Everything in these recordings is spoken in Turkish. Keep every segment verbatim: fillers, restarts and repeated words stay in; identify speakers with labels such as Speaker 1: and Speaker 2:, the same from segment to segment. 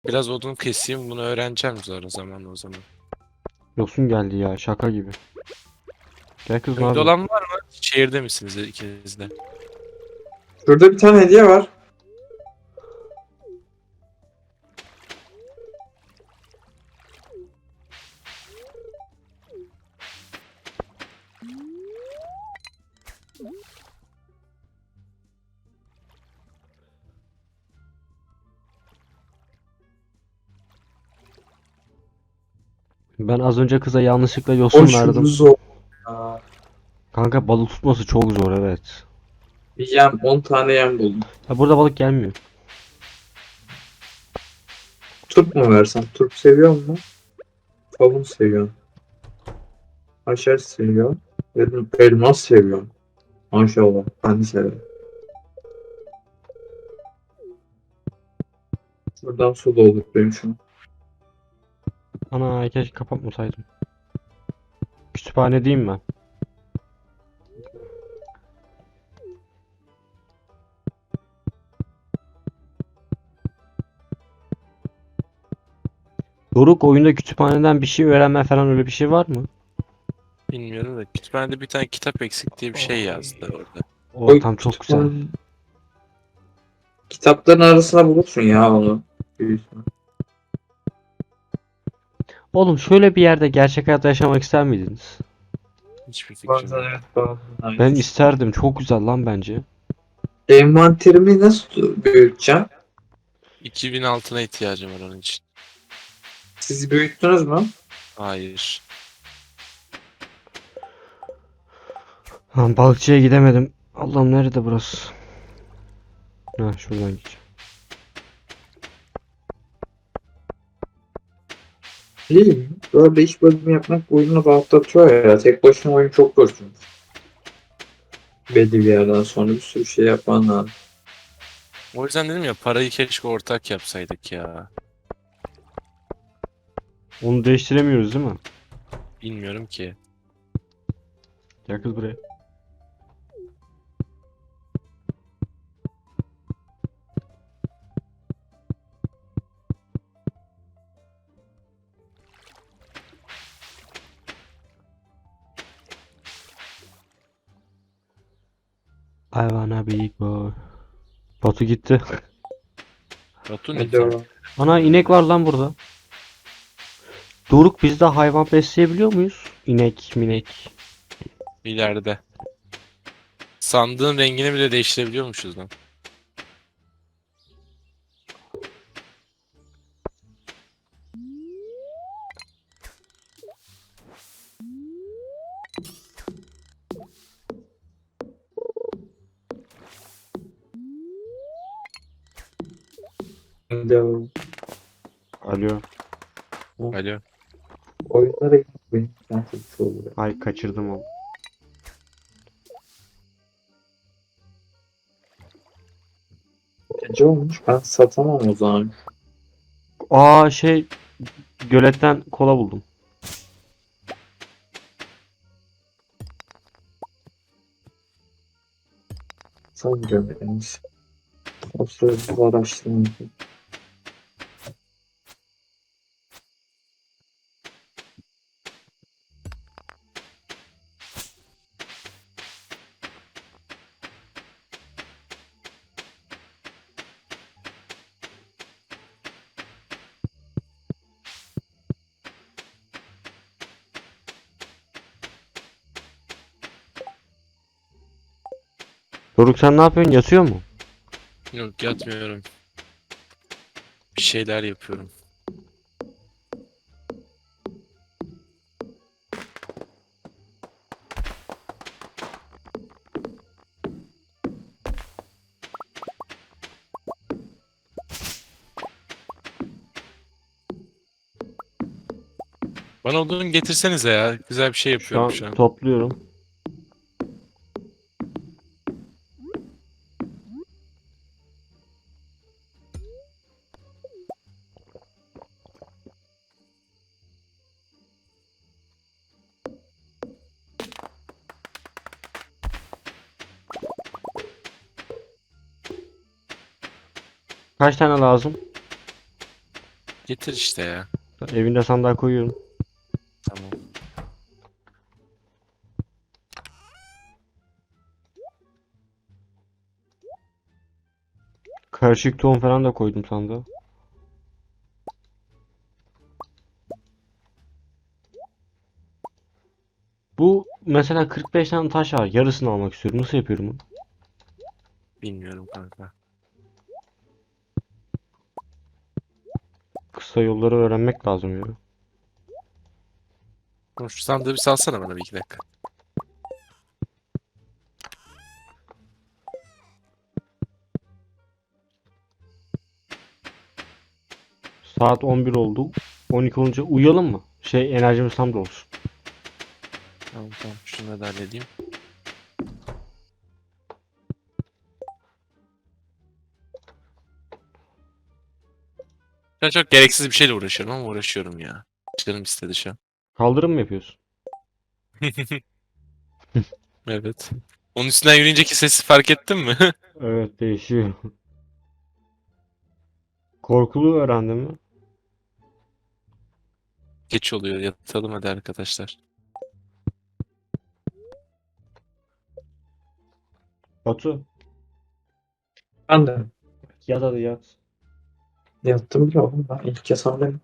Speaker 1: Biraz odun keseyim, bunu öğreneceğim zor o zaman o zaman.
Speaker 2: Yosun geldi ya, şaka gibi. Gel kız, ne
Speaker 1: Köyde
Speaker 2: yapıyorsun?
Speaker 1: olan var mı? Şehirde misiniz ikiniz de?
Speaker 3: Şurada bir tane hediye var.
Speaker 2: Ben az önce kıza yanlışlıkla
Speaker 3: O
Speaker 2: yosun
Speaker 3: şunu
Speaker 2: verdim.
Speaker 3: zor. Ya.
Speaker 2: Kanka, balık tutması çok zor, evet.
Speaker 3: Bir yem, on tane yem buldum.
Speaker 2: Ha, burada balık gelmiyor.
Speaker 3: Turp mu versem? Turp seviyor mu? Kavun seviyor. Haşhaş seviyor. Dedim elmas seviyor. Maşallah. Ben de severim. Buradan su dolduruyorum şu an.
Speaker 2: Ana, keşke kapatmasaydım. Kütüphane diyeyim ben. Doruk, oyunda kütüphaneden bir şey öğrenme falan, öyle bir şey var mı?
Speaker 1: Bilmiyorum da kütüphanede bir tane kitap eksik diye bir şey yazdı orada.
Speaker 2: O
Speaker 3: O
Speaker 2: tam çok güzel.
Speaker 3: kütüphane... Kitapların arasına bulursun ya onu. Büyük ihtimal.
Speaker 2: Oğlum, şöyle bir yerde gerçek hayatta yaşamak ister miydiniz?
Speaker 1: Hiçbir fikrim
Speaker 3: Bazen
Speaker 1: yok.
Speaker 3: evet bazen
Speaker 2: Ben
Speaker 3: hayır.
Speaker 2: isterdim. Çok güzel lan bence.
Speaker 3: Envanterimi nasıl büyüteceğim?
Speaker 1: iki bin altına ihtiyacım var onun için.
Speaker 3: Siz büyüttünüz mü?
Speaker 1: Hayır.
Speaker 2: Ha, balıkçıya gidemedim. Allah'ım, nerede burası? Ha, şuradan gideceğim.
Speaker 3: Değil mi? Böyle iş bölümü yapmak oyunu rahatlatıyor ya. Tek başına oyun çok zor çünkü. Belli bir yerden sonra bir sürü şey yapman lazım.
Speaker 1: O yüzden dedim ya, parayı keşke ortak yapsaydık ya.
Speaker 2: Onu değiştiremiyoruz değil mi?
Speaker 1: Bilmiyorum ki.
Speaker 2: Gel kız buraya. I wanna be big boy. Batu gitti.
Speaker 1: Batu ne
Speaker 3: Hadi
Speaker 1: ki?
Speaker 3: o.
Speaker 2: Ana, inek var lan burada. Doruk, biz de hayvan besleyebiliyor muyuz? İnek, minek.
Speaker 1: İleride. Sandığın rengini bile değiştirebiliyormuşuz lan.
Speaker 3: Hadi o.
Speaker 2: Alo.
Speaker 1: Alo.
Speaker 3: Oyunlara gitmeyin. Ben çok şey oluyor.
Speaker 2: Ay, kaçırdım onu.
Speaker 3: Gece olmuş. Ben satamam o zaman.
Speaker 2: Aa, şey, göletten kola buldum.
Speaker 3: Sanmıyorum yani. O sırada bu araştırma yapayım.
Speaker 2: Doruk, sen ne yapıyorsun? Yatıyor mu?
Speaker 1: Yok, yatmıyorum. Bir şeyler yapıyorum. Bana odun getirsenize ya. Güzel bir şey
Speaker 2: Şu
Speaker 1: yapıyorum
Speaker 2: an
Speaker 1: şu an.
Speaker 2: topluyorum. Kaç tane lazım?
Speaker 1: Getir işte ya.
Speaker 2: Evinde sandığa koyuyorum.
Speaker 1: Tamam.
Speaker 2: Karışık tohum falan da koydum sandığa. Bu mesela kırk beş tane taş var. Yarısını almak istiyorum. Nasıl yapıyorum bunu?
Speaker 1: Bilmiyorum kanka.
Speaker 2: Kısa yolları öğrenmek lazım ya.
Speaker 1: Oğlum şu sandığı bir salsana bana bir iki dakika.
Speaker 2: Saat on bir oldu. on iki olunca uyuyalım mı? Şey enerjimiz tam da olsun.
Speaker 1: Tamam tamam. Şunu da halledeyim. Ben çok gereksiz bir şeyle uğraşıyorum ama uğraşıyorum ya. Canım istedi şu an.
Speaker 2: Kaldırım mı yapıyorsun?
Speaker 1: Evet. Onun üstünden yürüyünceki sesi fark ettin mi?
Speaker 2: Evet değişiyor. Korkulu öğrendin mi?
Speaker 1: Geç oluyor. Yatalım hadi arkadaşlar.
Speaker 2: Batu
Speaker 3: Ben de
Speaker 2: yat hadi yat.
Speaker 3: yattım bile oğlum. Ben ilk yasam benim.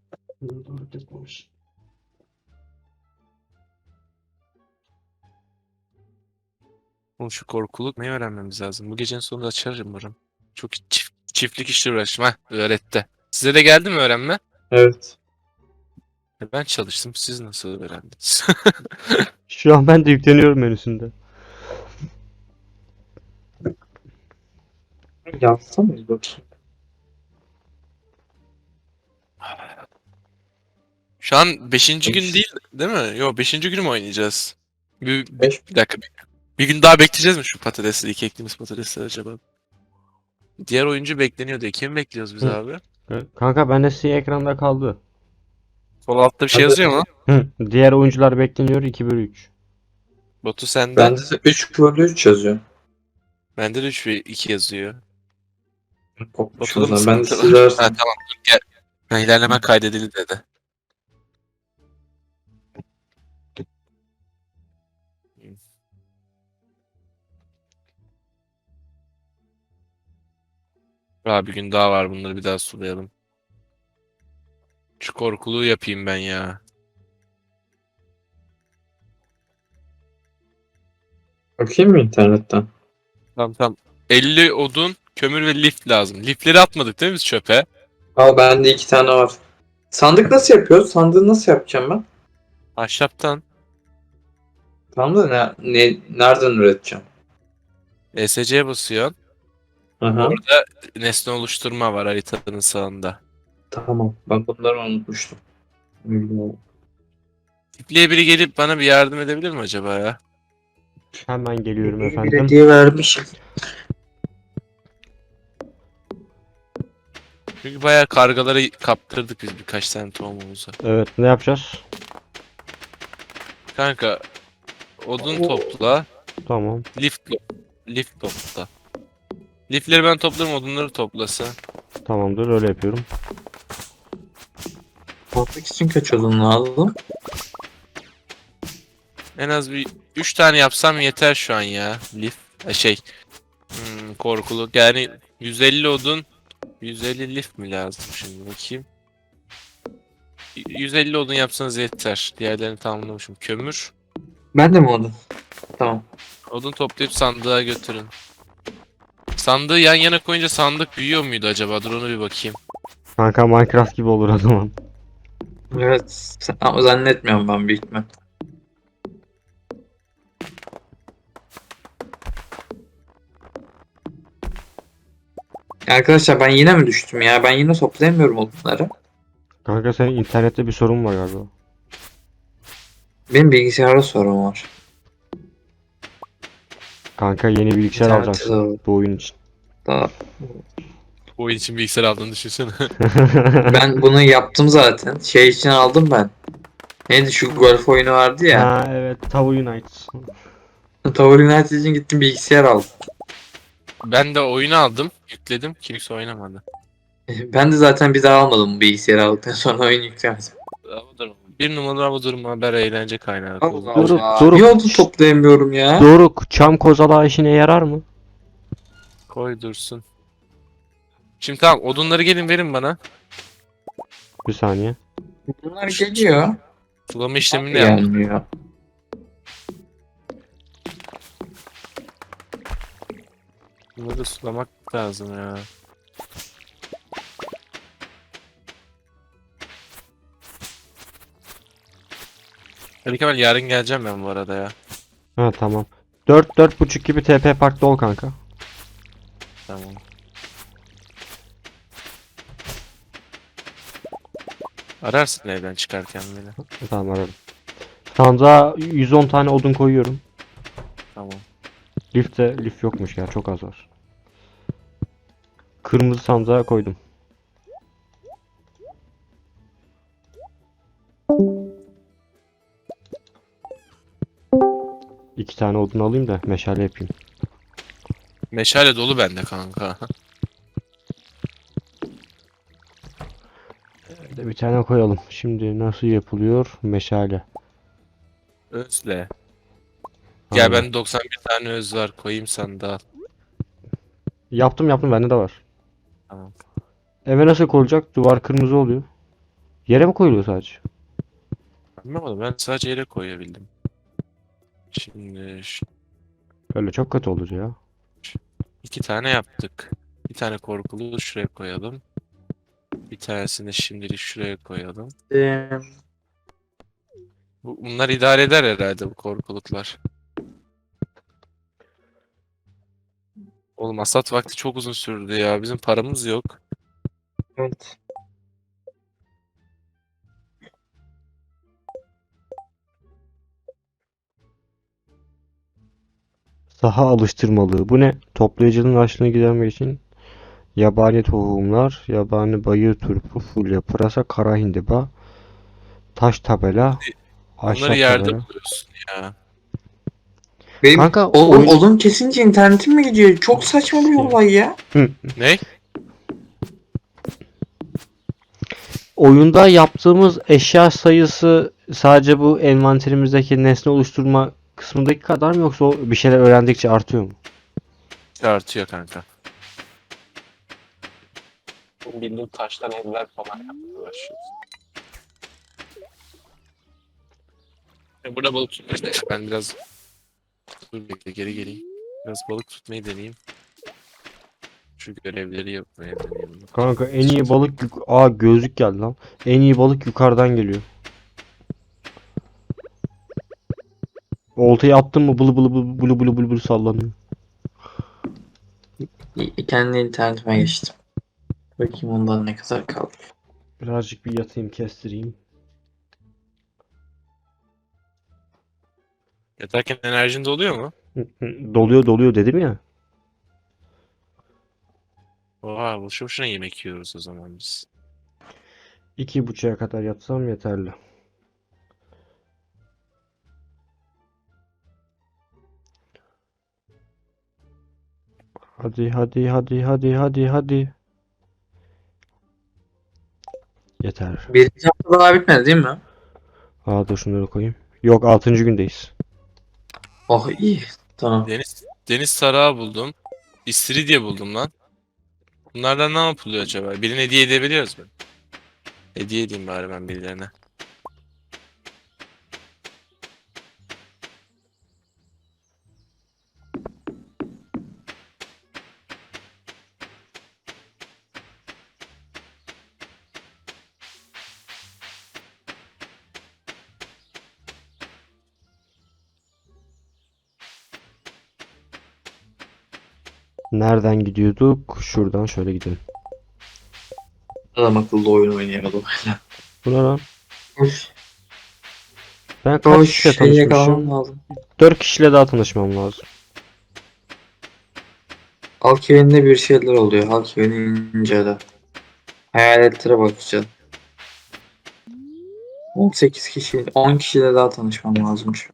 Speaker 1: Oğlum şu korkuluk neyi öğrenmemiz lazım? Bu gecenin sonunda açarım umarım. Çok çift, çiftlik işle uğraştım ha. Öğretti. Size de geldi mi öğrenme?
Speaker 3: Evet.
Speaker 1: E, Ben çalıştım. Siz nasıl öğrendiniz?
Speaker 2: Şu an ben de yükleniyorum menüsünde.
Speaker 3: Yazsa mıyız bakayım?
Speaker 1: Şu an beşinci gün
Speaker 3: Beş.
Speaker 1: değil, değil mi? Yok beşinci günü mü oynayacağız? Bir, bir,
Speaker 3: Beş.
Speaker 1: bir dakika. Bir, bir gün daha bekleyeceğiz mi şu patatesleri, ilk ektiğimiz patatesleri acaba? Diğer oyuncu bekleniyor diye. Kimi bekliyoruz biz
Speaker 2: Hı.
Speaker 1: abi?
Speaker 2: Kanka bende siyah ekranda kaldı.
Speaker 1: Sol altta bir şey
Speaker 3: Hadi.
Speaker 1: yazıyor mu?
Speaker 2: Hı. Diğer oyuncular bekleniyor iki bölü üç.
Speaker 1: Batu sende.
Speaker 3: Bende de üç bölü üç yazıyor.
Speaker 1: Bende de üç ve iki yazıyor.
Speaker 3: Kopmuş o
Speaker 1: Batu'da mı
Speaker 3: zaman. Ben de
Speaker 1: sıkıntı
Speaker 3: siz
Speaker 1: var? Ha
Speaker 3: versem.
Speaker 1: tamam dur gel. Ha, ilerleme kaydedildi dedi. Daha bir gün daha var, bunları bir daha sulayalım. Şu korkuluğu yapayım ben ya.
Speaker 3: Bakayım mı internetten?
Speaker 1: Tamam tamam. elli odun, kömür ve lif lazım. Lifleri atmadık değil mi biz çöpe?
Speaker 3: Al bende iki tane var. Sandık nasıl yapıyoruz? Sandığı nasıl yapacağım ben?
Speaker 1: Ahşaptan
Speaker 3: Tamam da ne, ne, nereden üreteceğim?
Speaker 1: E S C'ye basıyorsun.
Speaker 3: Aha.
Speaker 1: Orada nesne oluşturma var haritanın sağında.
Speaker 3: Tamam. Ben bunları unutmuştum. Bilmiyorum.
Speaker 1: Tipliye biri gelip bana bir yardım edebilir mi acaba ya?
Speaker 2: Hemen geliyorum
Speaker 3: İyi
Speaker 2: efendim.
Speaker 3: belediye vermişim.
Speaker 1: Çünkü bayağı kargaları kaptırdık biz birkaç tane tohumumuza.
Speaker 2: Evet ne yapacağız?
Speaker 1: Kanka odun topla,
Speaker 2: Tamam.
Speaker 1: lif, lif topla. Lifleri ben toplarım, odunları toplasın.
Speaker 2: Tamamdır öyle yapıyorum.
Speaker 3: Portek için kaç odun lazım?
Speaker 1: En az bir üç tane yapsam yeter şu an ya. Lif, e, şey, hmm, korkuluk. Yani yüz elli odun, yüz elli lif mi lazım şimdi bakayım. Y- yüz elli odun yapsanız yeter. Diğerlerini tamamlamışım. Kömür.
Speaker 3: Ben de mi odun? Tamam.
Speaker 1: Odun toplayıp sandığa götürün. Sandığı yan yana koyunca sandık büyüyor muydu acaba? Dur onu bir bakayım.
Speaker 2: Kanka Minecraft gibi olur o zaman.
Speaker 3: Evet. Ama zannetmiyorum ben büyük ihtimal. Arkadaşlar ben yine mi düştüm ya? Ben yine toplayamıyorum odunları.
Speaker 2: Kanka senin internette bir sorun var galiba.
Speaker 3: Benim bilgisayarda sorun var.
Speaker 2: Kanka yeni bilgisayar
Speaker 3: İnternette
Speaker 2: alacaksın
Speaker 3: sorun.
Speaker 2: bu oyun için.
Speaker 3: Daha.
Speaker 1: Bu oyun için bilgisayar aldığını düşünsene.
Speaker 3: Ben bunu yaptım zaten. Şey için aldım ben. Neydi şu golf oyunu vardı ya.
Speaker 2: Ha evet Tavu United.
Speaker 3: Tower United için gittim bilgisayar aldım.
Speaker 1: Ben de oyunu aldım, yükledim. Kimse oynamadı.
Speaker 3: Ben de zaten bir daha almadım bu bilgisayarı aldıktan sonra oyun yüklemedim.
Speaker 1: Hava durumu. Bir numaralı hava durumu haber eğlence kaynağı.
Speaker 3: Allah
Speaker 2: Doruk,
Speaker 3: Allah.
Speaker 2: Doruk.
Speaker 3: Niye odun toplayamıyorum ya?
Speaker 2: Doruk, çam kozalağı işine yarar mı?
Speaker 1: Koy dursun. Şimdi tamam, odunları gelin verin bana.
Speaker 2: Bir saniye.
Speaker 3: Bunlar geliyor.
Speaker 1: Sulama işlemini de
Speaker 3: Abi
Speaker 1: yaptım.
Speaker 3: gelmiyor.
Speaker 1: Bunları sulamak lazım ya. Ali Kemal, yarın geleceğim ben bu arada ya.
Speaker 2: Ha tamam. Dört dört buçuk gibi T P Park'ta ol kanka.
Speaker 1: Tamam. Ararsın evden çıkarken beni.
Speaker 2: Tamam ararım. Sandığa yüz on tane odun koyuyorum.
Speaker 1: Tamam.
Speaker 2: Lifte lif yokmuş ya, çok az var. Kırmızı sandığa koydum. İki tane odun alayım da meşale yapayım.
Speaker 1: Meşale dolu bende kanka.
Speaker 2: Bir de bir tane koyalım. Şimdi nasıl yapılıyor? Meşale.
Speaker 1: Özle. Gel,
Speaker 2: Aynen.
Speaker 1: bende doksan bir tane öz var, koyayım sandığa.
Speaker 2: Yaptım yaptım, bende de var.
Speaker 1: Tamam.
Speaker 2: Eve nasıl koyulacak? Duvar kırmızı oluyor. Yere mi koyuluyor sadece?
Speaker 1: Anlamadım, ben sadece yere koyabildim. Şimdi şu-
Speaker 2: Öyle çok kötü olur ya.
Speaker 1: iki tane yaptık. Bir tane korkulu şuraya koyalım. Bir tanesini şimdilik şuraya koyalım.
Speaker 3: Ee,
Speaker 1: Bu, bunlar idare eder herhalde, bu korkuluklar. Oğlum hasat vakti çok uzun sürdü ya. Bizim paramız yok.
Speaker 3: evet.
Speaker 2: Saha alıştırmalığı. Bu ne? Toplayıcının açlığını gidermek için yabani tohumlar, yabani bayır turpu, fulya, pırasa, kara hindiba, taş tabela,
Speaker 1: Bunları
Speaker 2: ahşap
Speaker 1: yerde
Speaker 2: tabela.
Speaker 1: buluyorsun ya.
Speaker 3: Benim
Speaker 2: Kanka
Speaker 3: oğlum
Speaker 2: oyun-
Speaker 3: odun kesince internetim mi gidiyor? Çok saçma bir olay ya.
Speaker 1: Ne?
Speaker 2: Oyunda yaptığımız eşya sayısı sadece bu envanterimizdeki nesne oluşturma kısmındaki kadar mı, yoksa o bir şeyler öğrendikçe artıyor mu?
Speaker 1: Artıyor kanka. Bildiğin taştan evler falan yapmaya başlıyoruz. E, Burada balık tutmayı ben biraz... Dur bekle, geri geleyim. Biraz balık tutmayı deneyeyim. Şu görevleri yapmaya deneyeyim.
Speaker 2: Kanka en iyi balık yuk- Aa, gözlük geldi lan. En iyi balık yukarıdan geliyor. Oltayı attın mı bılı bılı bılı bılı bılı bılı bılı sallanıyor.
Speaker 3: İ- Kendi internetime geçtim. Bakayım ondan ne kadar kaldı.
Speaker 2: Birazcık bir yatayım, kestireyim.
Speaker 1: Yatarken enerjin doluyor mu?
Speaker 2: Hı, hı, Doluyor doluyor dedim ya.
Speaker 1: Oha, boşu boşuna yemek yiyoruz o zaman biz.
Speaker 2: İki buçuğa kadar yatsam yeterli. Hadi hadi hadi hadi hadi hadi. Yeter.
Speaker 3: Birinci hafta daha bitmedi değil mi?
Speaker 2: Aa, dur şunları koyayım. Yok, altıncı gündeyiz.
Speaker 3: Oh iyi. Tamam.
Speaker 1: Deniz deniz tarağı buldum. İstiridye buldum lan. Bunlardan ne yapılıyor acaba? Birine hediye edebiliyoruz mu? Hediye edeyim bari ben birilerine.
Speaker 2: Nereden gidiyorduk? Şuradan şöyle gidelim.
Speaker 3: Adam akıllı oyun oynayamadım.
Speaker 2: Bu ne lan?
Speaker 3: Hoş.
Speaker 2: Ben kaç
Speaker 3: Hoş
Speaker 2: kişiyle
Speaker 3: şey yakalamam
Speaker 2: tanışmışım?
Speaker 3: lazım.
Speaker 2: Dört kişiyle daha tanışmam lazım.
Speaker 3: Halk evinde bir şeyler oluyor. Halk evini incele. Hayaletlere bakacağız. on sekiz kişi, on kişiyle daha tanışmam lazımmış.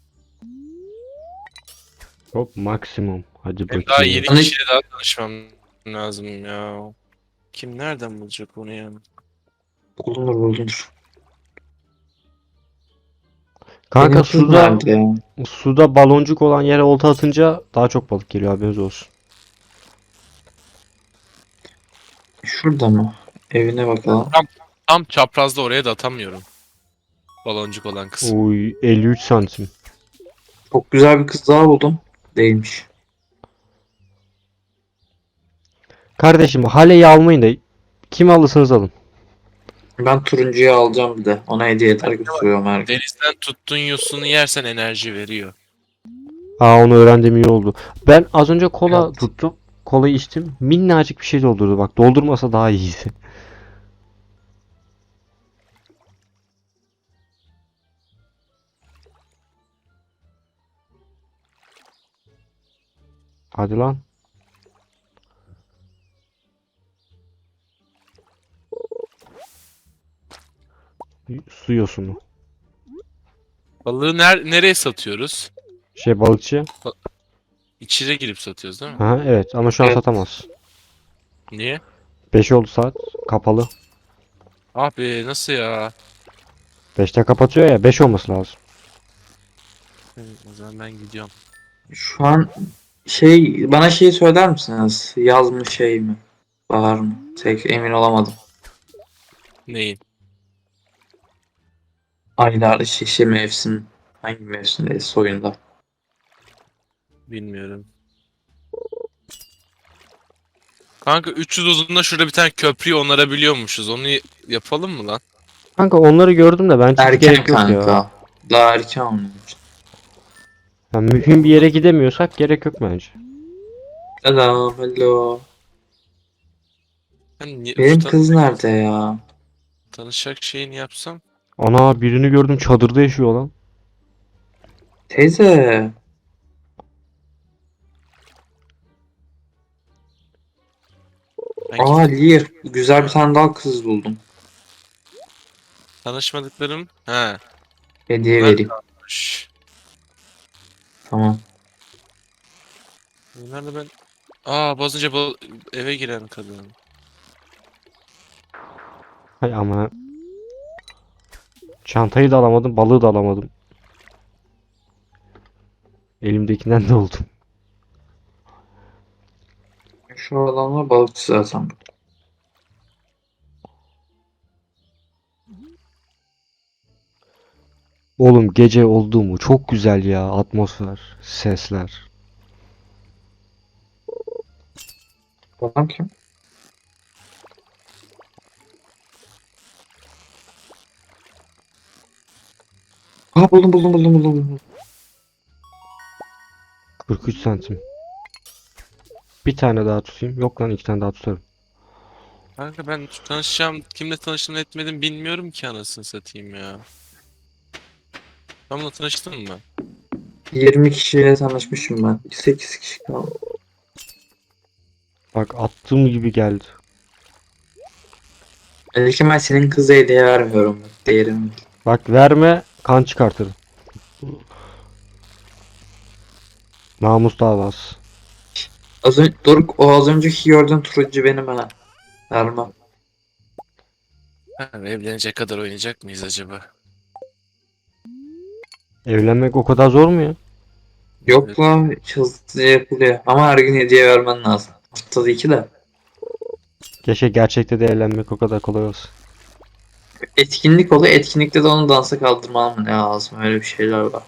Speaker 2: Hop, maksimum. Hadi
Speaker 1: Benim daha
Speaker 2: bakayım.
Speaker 1: yedi
Speaker 3: Tanış-
Speaker 1: kişiyle daha tanışmam lazım ya. Kim nereden bulacak onu yani?
Speaker 3: Bulunur bulunur.
Speaker 2: Kanka
Speaker 3: Benim kız
Speaker 2: suda
Speaker 3: nerede ya?
Speaker 2: suda baloncuk olan yere olta atınca daha çok balık geliyor, haberiniz olsun.
Speaker 3: Şurada mı? Evine bakalım.
Speaker 1: Tam, tam çaprazda oraya da atamıyorum. Baloncuk olan kısmı.
Speaker 2: Uy, elli üç santim.
Speaker 3: Çok güzel bir kız daha buldum. Değilmiş.
Speaker 2: Kardeşim haleyi almayın da kim alırsanız alın.
Speaker 3: Ben turuncuyu alacağım bir de. Ona hediyeler götürüyorum her gün.
Speaker 1: Denizden tuttuğun yosunu yersen enerji veriyor.
Speaker 2: Aa, onu öğrendim, iyi oldu. Ben az önce kola
Speaker 3: Evet.
Speaker 2: tuttum. Kolayı içtim. Minnacık bir şey doldurdu bak. Doldurmasa daha iyiydi. Hadi lan. Su yosunu.
Speaker 1: Balığı ner nereye satıyoruz?
Speaker 2: Şey, balıkçı.
Speaker 1: İçeri girip satıyoruz değil mi?
Speaker 2: Ha evet, ama şu an
Speaker 3: Evet.
Speaker 2: satamaz.
Speaker 1: Niye?
Speaker 2: beş oldu saat. Kapalı.
Speaker 1: Abi nasıl ya?
Speaker 2: beşte kapatıyor ya. beş olması lazım.
Speaker 1: Hı, O zaman ben gidiyorum.
Speaker 3: Şu an şey bana şeyi söyler misiniz? Yaz mı şey mi? Bahar mı? Tek emin olamadım.
Speaker 1: Neyin?
Speaker 3: Aylar, şişe mevsim. Hangi mevsimdeyiz oyunda?
Speaker 1: Bilmiyorum. Kanka üç yüz uzunluğunda şurada bir tane köprüyü onarabiliyormuşuz. Onu y- yapalım mı lan?
Speaker 2: Kanka onları gördüm de bence hiç
Speaker 3: Erken
Speaker 2: gerek yok ya.
Speaker 3: kanka. Daha erken olmuş.
Speaker 2: Yani mühim bir yere gidemiyorsak gerek yok bence.
Speaker 3: Selam, hello.
Speaker 1: Hani ni-
Speaker 3: Benim
Speaker 1: usta
Speaker 3: kız nerede ya?
Speaker 1: tanışacak şeyini yapsam.
Speaker 2: Ana, birini gördüm, çadırda yaşıyor lan.
Speaker 3: Teyze.
Speaker 1: Ben
Speaker 3: Aa,
Speaker 1: gittim.
Speaker 3: Lear. Güzel bir tane daha kız buldum.
Speaker 1: Tanışmadıklarım. He.
Speaker 3: Hediye
Speaker 1: Bunlar
Speaker 3: vereyim.
Speaker 1: kalmış.
Speaker 3: Tamam.
Speaker 1: Bunlar da ben... Aa basınca bal- eve giren kadın.
Speaker 2: Hay ama. Çantayı da alamadım, balığı da alamadım. Elimdekinden de oldum.
Speaker 3: Şu adamlar balıkçı zaten.
Speaker 2: Oğlum gece oldu mu çok güzel ya, atmosfer, sesler.
Speaker 3: Adam kim? Aa, buldum buldum buldum buldum. buldum.
Speaker 2: kırk üç santim. Bir tane daha tutayım. Yok lan, iki tane daha tutarım.
Speaker 1: Kanka ben tanışacağım, kimle tanıştım etmedim bilmiyorum ki anasını satayım ya. Ben bununla tanıştım mı?
Speaker 3: yirmi kişiyle tanışmışım ben. sekiz kişi kaldı.
Speaker 2: Bak, attığım gibi geldi.
Speaker 3: Belki ben senin kıza hediye vermiyorum. Bak, değerini bil.
Speaker 2: Bak, verme, kan çıkartırım. Namus davası.
Speaker 3: Az önce, Doruk, o az önceki gördüğün turuncu benim ha. Vermem.
Speaker 1: Ha, evlenecek kadar oynayacak mıyız acaba?
Speaker 2: Evlenmek o kadar zor mu ya?
Speaker 3: Yok
Speaker 1: Evet.
Speaker 3: la, hızlıca yapılıyor. Ama her gün hediye vermen lazım. Haftada iki de.
Speaker 2: Keşke gerçekte de evlenmek o kadar kolay olsun.
Speaker 3: Etkinlik oluyor. Etkinlikte de onu dansa kaldırmam lazım. Öyle bir şeyler var.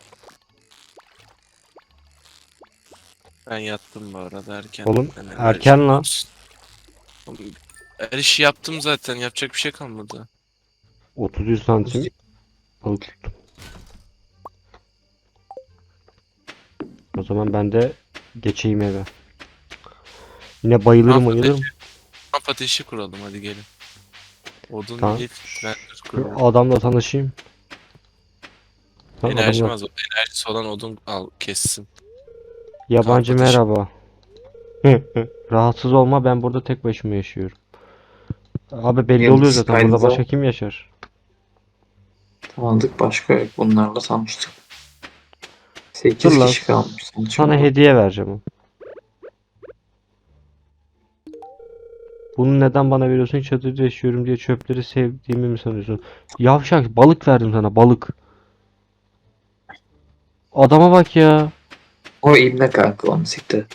Speaker 1: Ben yattım bu arada erken.
Speaker 2: Oğlum,
Speaker 1: Ben
Speaker 2: erken
Speaker 1: enerjim
Speaker 2: lan.
Speaker 1: olsun. Oğlum, her işi yaptım zaten. Yapacak bir şey kalmadı.
Speaker 2: otuz üç santim balık tuttum. O zaman ben de geçeyim eve. Yine bayılırım
Speaker 1: Kamp
Speaker 2: bayılırım.
Speaker 1: ateşi, kamp ateşi kuralım hadi gelin. Odun,
Speaker 2: Tamam.
Speaker 1: lif, render
Speaker 2: Şu
Speaker 1: kuralım.
Speaker 2: adamla tanışayım. Tamam,
Speaker 1: Enerjim
Speaker 2: adamla.
Speaker 1: az. Enerjisi olan odun al kessin.
Speaker 2: Yabancı
Speaker 1: Kamp ateşi.
Speaker 2: merhaba. Rahatsız olma, ben burada tek başıma yaşıyorum. Abi belli oluyor
Speaker 3: Yıldız
Speaker 2: zaten, burada
Speaker 3: kaydı
Speaker 2: başka kim yaşar?
Speaker 3: tanıdık, başka yok. Bunlarla tanıştık.
Speaker 2: Dur
Speaker 3: sekiz
Speaker 2: lan,
Speaker 3: kişi kalmış.
Speaker 2: sana hediye vereceğim. Bunu neden bana veriyorsun? Çadırda yaşıyorum diye çöpleri sevdiğimi mi sanıyorsun? Yavşak, balık verdim sana, balık. Adama bak ya.
Speaker 3: O ibne kanka, onu siktir et.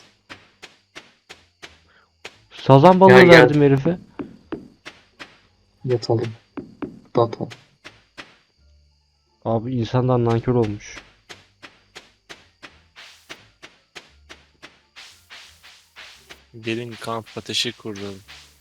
Speaker 2: Sazan balığı
Speaker 3: Gel gel
Speaker 2: verdim herife.
Speaker 3: yatalım. Yatalım.
Speaker 2: Abi insandan nankör olmuş.
Speaker 1: Gelin kamp ateşi kuralım.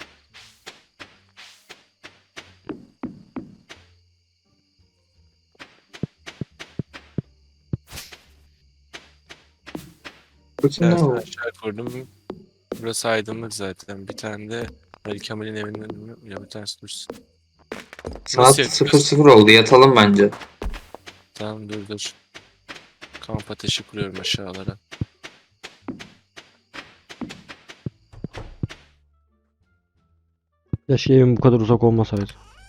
Speaker 3: Bütün ne
Speaker 1: Evet,
Speaker 3: oldu?
Speaker 1: aşağı kurdum. Burası aydınlık zaten. Bir tane de Ali Kemal'in evinden mi? Ya bir tanesi dursun.
Speaker 3: Saat
Speaker 1: yapacağız?
Speaker 3: sıfır sıfır oldu. Yatalım bence.
Speaker 1: Tamam dur dur. Kamp ateşi kuruyorum aşağılara.
Speaker 2: Keşke evim bu kadar uzak olmasaydı.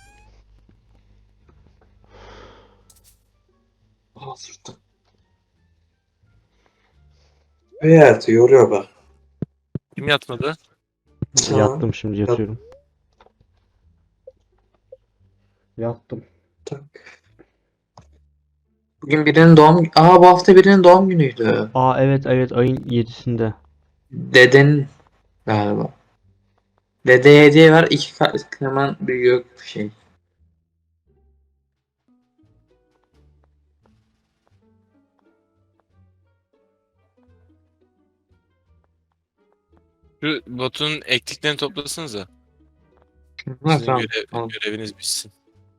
Speaker 3: Aa, sırtım. Evet, yoruyor bak.
Speaker 1: Kim yatmadı?
Speaker 3: Tamam.
Speaker 2: Yattım, şimdi yatıyorum. Yattım.
Speaker 3: Tak. Bugün birinin doğum... Aa, bu hafta birinin doğum günüydü.
Speaker 2: Aa, evet evet, ayın yedisinde.
Speaker 3: Dedenin galiba. Dedeye hediye ver. İki kat hemen büyüyor şey.
Speaker 1: Şu botun ektiklerini toplasanıza.
Speaker 3: Ha,
Speaker 1: Sizin
Speaker 3: tamam.
Speaker 1: görev-
Speaker 3: Tamam.
Speaker 1: göreviniz bitsin.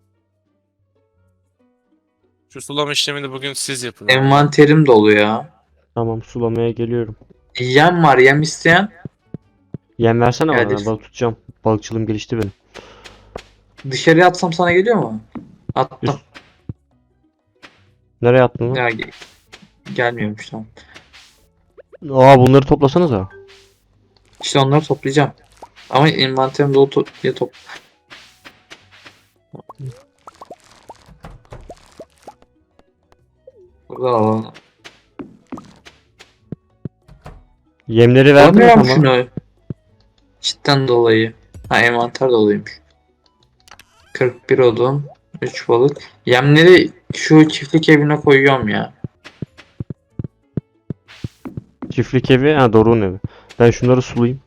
Speaker 1: Şu sulama işlemini bugün siz yapın. abi.
Speaker 3: Envanterim dolu ya.
Speaker 2: Tamam, sulamaya geliyorum.
Speaker 3: Yem var. Yem isteyen.
Speaker 2: Yem versene bana,
Speaker 3: Geldi.
Speaker 2: ben balık tutacağım. Balıkçılığım gelişti benim.
Speaker 3: Dışarıya atsam sana geliyor mu? Attım.
Speaker 2: Üst- Nereye attın lan?
Speaker 3: Ya, ge- gelmiyormuş, tamam.
Speaker 2: Aa, bunları toplasanıza.
Speaker 3: İşte onları toplayacağım. Ama envanterim dolu to diye top. Burada alalım.
Speaker 2: Yemleri verdin mi
Speaker 3: Alamıyorum
Speaker 2: tamam?
Speaker 3: şunu. Cidden dolayı. Ha, envanter doluymuş. kırk bir odun. üç balık. Yemleri şu çiftlik evine koyuyorum ya.
Speaker 2: Çiftlik evi, ha, Doruk'un evi. Ben şunları sulayayım.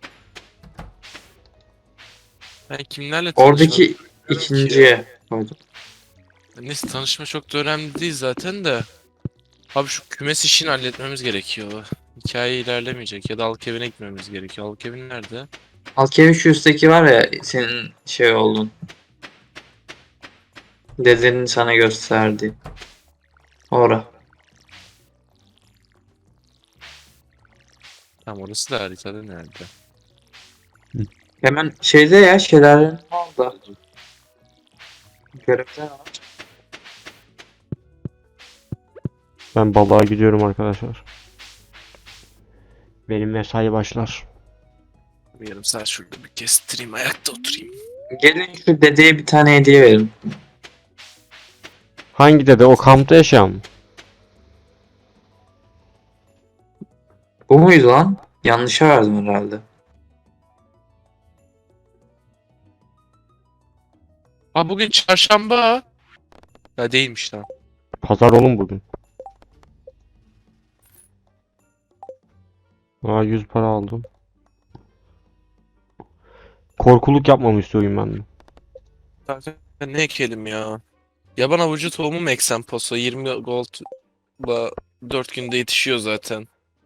Speaker 1: Ben kimlerle tanışmadım
Speaker 3: Oradaki
Speaker 1: bilmiyorum ki.
Speaker 3: ikinciye koydum.
Speaker 1: Neyse tanışma çok da önemli değil zaten de. Abi şu kümes işini halletmemiz gerekiyor. Hikaye ilerlemeyecek ya da halk evine gitmemiz gerekiyor. Halk evi nerede?
Speaker 3: Alkevi şu üstteki var ya, senin şey oldun. Dedenin sana gösterdi. Ora.
Speaker 1: Tamam orası da haritada nerede?
Speaker 3: Hemen şeyde ya, şelalenin orada. Görevde var.
Speaker 2: Ben balığa gidiyorum arkadaşlar. Benim mesai başlar.
Speaker 1: Bir yarım saat şurada bir kestireyim ayakta oturayım.
Speaker 3: Gelin şu dedeye bir tane hediye verin.
Speaker 2: Hangi dede? O kampta yaşayan mı?
Speaker 3: Bu muydu lan? Yanlışa verdim herhalde.
Speaker 1: Aa bugün çarşamba. Ya değilmiş lan.
Speaker 2: Pazar oğlum bugün. Aa, yüz para aldım. Korkuluk yapmamı istiyorum ben de.
Speaker 1: Kanka ne ekelim ya? Yaban avucu tohumu mu eksem poso? yirmi gold'la dört günde yetişiyor zaten.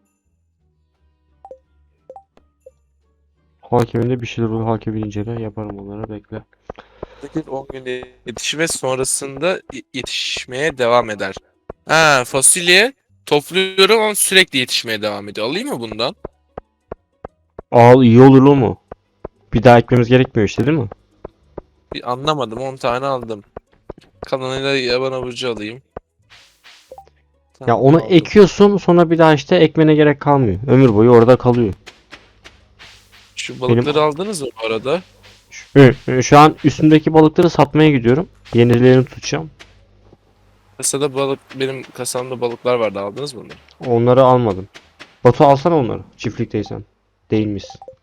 Speaker 2: Hakeminde bir şeyler olur. Hakemi incele. Yaparım onları. Bekle.
Speaker 1: sekiz on günde yetişir ve sonrasında y- yetişmeye devam eder. Ha fasulye topluyorum ama sürekli yetişmeye devam ediyor. Alayım mı bundan?
Speaker 2: Al, iyi olur mu? Bir daha ekmemiz gerekmiyor işte, değil mi?
Speaker 1: Bir anlamadım. on tane aldım. Kalanıyla yaban avucu alayım.
Speaker 2: Ya
Speaker 1: Tamam,
Speaker 2: onu
Speaker 1: aldım.
Speaker 2: ekiyorsun, sonra bir daha işte ekmene gerek kalmıyor. Ömür boyu orada kalıyor.
Speaker 1: Şu balıkları aldınız mı bu arada?
Speaker 2: Şu, şu an üstümdeki balıkları satmaya gidiyorum. Yenilerini tutacağım.
Speaker 1: Kasada balık benim kasamda balıklar vardı aldınız mı onları?
Speaker 2: Onları almadım. Batu alsana onları. Çiftlikteysen. Değil misin?